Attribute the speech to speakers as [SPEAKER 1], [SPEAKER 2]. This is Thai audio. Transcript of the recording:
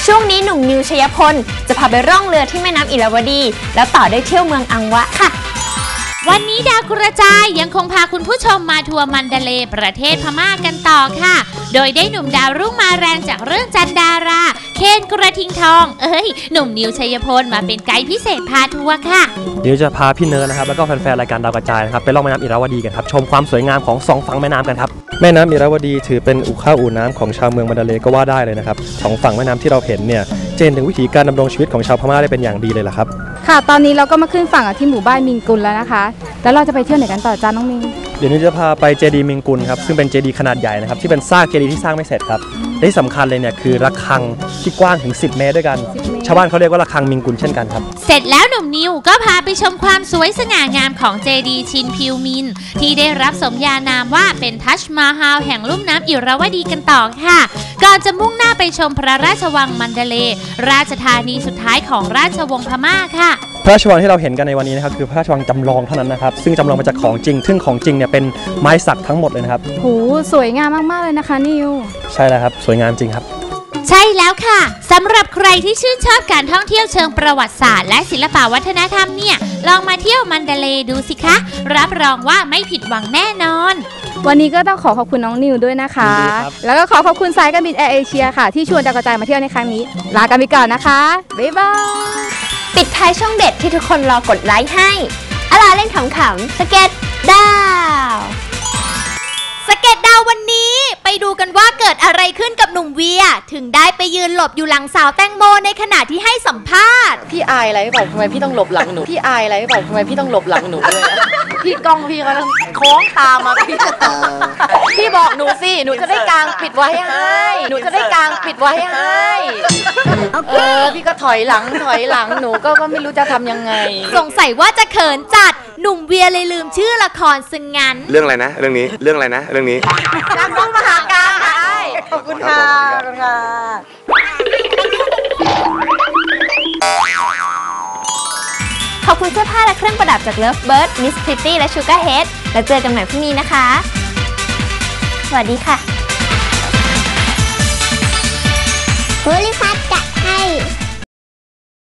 [SPEAKER 1] ช่วงนี้หนุ่มนิวชัยพลจะพาไปร่องเรือที่แม่น้ำอิราวดีแล้วต่อด้วยเที่ยวเมืองอังวะค่ะ
[SPEAKER 2] วันนี้ดาวกระจายยังคงพาคุณผู้ชมมาทัวร์มันดาเลย์ประเทศพม่ากันต่อค่ะโดยได้หนุ่มดาวรุ่งมาแรงจากเรื่องจันดาราเคนกระทิงทองหนุ่มนิวชัยพลมาเป็นไกด์พิเศษพาทัวร์ค่ะ
[SPEAKER 3] เดี๋ยวจะพาพี่เนิร์ดนะครับแล้วก็แฟนๆรายการดาวกระจายนะครับไปล่องแม่น้ำอิราวดีกันครับชมความสวยงามของ2ฝั่งแม่น้ำกันครับแม่น้ำอิราวดีถือเป็นอู่ข้าวอู่น้ำของชาวเมืองมันดาเลย์ก็ว่าได้เลยนะครับ2ฝั่งแม่น้ำที่เราเห็นเนี่ยเจนถึงวิถีการดำรงชีวิตของชาวพม่าได้เป็นอย่างดีเลยล่ะครับ
[SPEAKER 4] ค่ะตอนนี้เราก็มาขึ้นฝั่งที่หมู่บ้านมิงกุลแล้วนะคะแล้วเราจะไปเที่ยวไหนกันต่อจ้าน้องมิง
[SPEAKER 3] เดี๋ยวนี้จะพาไปเจดีย์มิงกุลครับซึ่งเป็นเจดีย์ขนาดใหญ่นะครับที่เป็นซากเจดีย์ที่สร้างไม่เสร็จครับและที่สำคัญเลยเนี่ยคือระฆังที่กว้างถึง10 เมตรด้วยกันชาวบ้านเขาเรียกว่าระฆังมิงกุลเช่นกันครับ
[SPEAKER 2] เสร็จแล้วหนุ่มนิวก็พาไปชมความสวยสง่างามของเจดีย์ชินพิวมินที่ได้รับสมญานามว่าเป็นทัชมาฮาลแห่งลุ่มน้ำอิราวดีกันต่อค่ะก่อนจะมุ่งหน้าไปชมพระราชวังมันดาเลย์ราชธานีสุดท้ายของราชวงศ์พม่าค่ะ
[SPEAKER 3] พระราชวังที่เราเห็นกันในวันนี้นะครับคือพระราชวังจำลองเท่านั้นนะครับซึ่งจำลองมาจากของจริงซึ่งของจริงเนี่ยเป็นไม้สักทั้งหมดเลยนะครับ
[SPEAKER 4] โหสวยงามมากๆเลยนะคะนิว
[SPEAKER 3] ใช่แล้วครับสวยงามจริงครับ
[SPEAKER 2] ใช่แล้วค่ะสำหรับใครที่ชื่นชอบการท่องเที่ยวเชิงประวัติศาสตร์และศิลปวัฒนธรรมเนี่ยลองมาเที่ยวมันดาเลย์ดูสิคะรับรองว่าไม่ผิดหวังแน่นอน
[SPEAKER 4] วันนี้ก็ต้องขอบคุณน้องนิวด้วยนะคะแล้วก็ขอบคุณสายการบินแอร์เอเชียค่ะที่ชวนดาวกระจายมาเที่ยวในครั้งนี้ลากันไปก่อนนะคะบ๊ายบาย
[SPEAKER 1] ปิดท้ายช่องเด็ดที่ทุกคนรอกดไลค์ให้อลาเล่นขำๆสเก็ตดาว
[SPEAKER 2] สเก็ตดาววันนี้ไปดูกันว่าเกิดอะไรขึ้นกับหนุ่มเวียถึงได้ไปยืนหลบอยู่หลังสาวแตงโมในขณะที่ให้สัมภาษณ์
[SPEAKER 5] พี่อายอะไรบอกทำไมพี่ต้องหลบหลังหนูพี่อายอะไรบอกทำไมพี่ต้องหลบหลังหนูด้วยพี่กล้องพี่เขาโค้งตามมาพี่บอกหนูสิหนูจะได้กางปิดไว้ให้หนูจะได้กางปิดไว้ให้พี่ก็ถอยหลังหนูก็ไม่รู้จะทำยังไง
[SPEAKER 2] สงสัยว่าจะเขินจัดหนุ่มเวียเลยลืมชื่อละครซึ่งงั้น
[SPEAKER 6] เรื่องอะไรนะเรื่องนี้
[SPEAKER 5] นักสู้มหาการขอบคุณค่ะ
[SPEAKER 1] ขอบคุณเสื้อผ้าและเครื่องประดับจาก Lovebird Miss Pretty และ Sugar Head แล้วเจอกันใหม่พรุ่งนี้นะคะสวัสดีค่ะ
[SPEAKER 7] โพลิพัท